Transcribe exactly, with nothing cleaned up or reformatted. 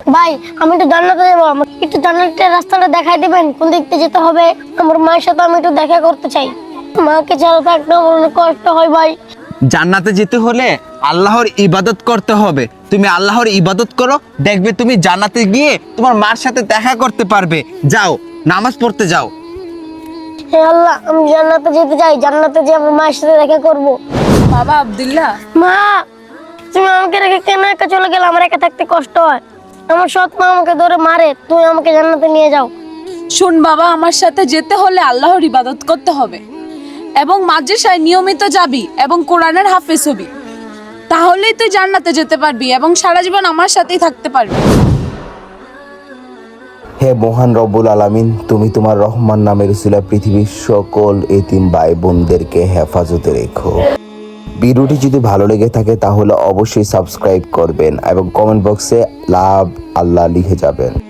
ভাই আমি একটু জান্নাতে যাবো, আমাকে একটু জান্নাতের রাস্তাটা দেখাই দিবেন, কোন দিক দিয়ে যেতে হবে? আমার মায়ের সাথে আমি একটু দেখা করতে চাই। মাকে ছাড়া থাকতে আমার অনেক কষ্ট হয় ভাই। জান্নাতে যেতে হলে আল্লাহর ইবাদত করতে হবে। তুমি আল্লাহর ইবাদত করো, দেখবে তুমি জান্নাতে গিয়ে তোমার মার সাথে দেখা করতে পারবে। যাও, নামাজ পড়তে যাও। হে আল্লাহ, আমি জান্নাতে যেতে চাই, জান্নাতে যে আমার মায়ের সাথে দেখা করব। বাবা আব্দুল্লাহ, মা, তুমি আমাকে রেখে কেন একা চলে গেলে? আমার একা থাকতে কষ্ট হয়। আমার সৎ মা আমাকে ধরে মারে, তুমি আমাকে জান্নাতে নিয়ে যাও। শোন বাবা, আমার সাথে যেতে হলে আল্লাহর ইবাদত করতে হবে এবং মাদ্রাসায় নিয়মিত যাবি এবং কোরআনের হাফেজ হবি, তাহলেই তুই জান্নাতে যেতে পারবি এবং সারা জীবন আমার সাথেই থাকতে পারবি। হে মহান রব্বুল আলামিন, তুমি তোমার রহমান নামের উসিলায় পৃথিবীর সকল এতিম ভাই বোনদেরকে হেফাজতে রেখো। ভিডিওটি যদি ভালো লেগে থাকে তাহলে অবশ্যই সাবস্ক্রাইব করবেন এবং কমেন্ট বক্সে লাভ আল্লাহ লিখে যাবেন।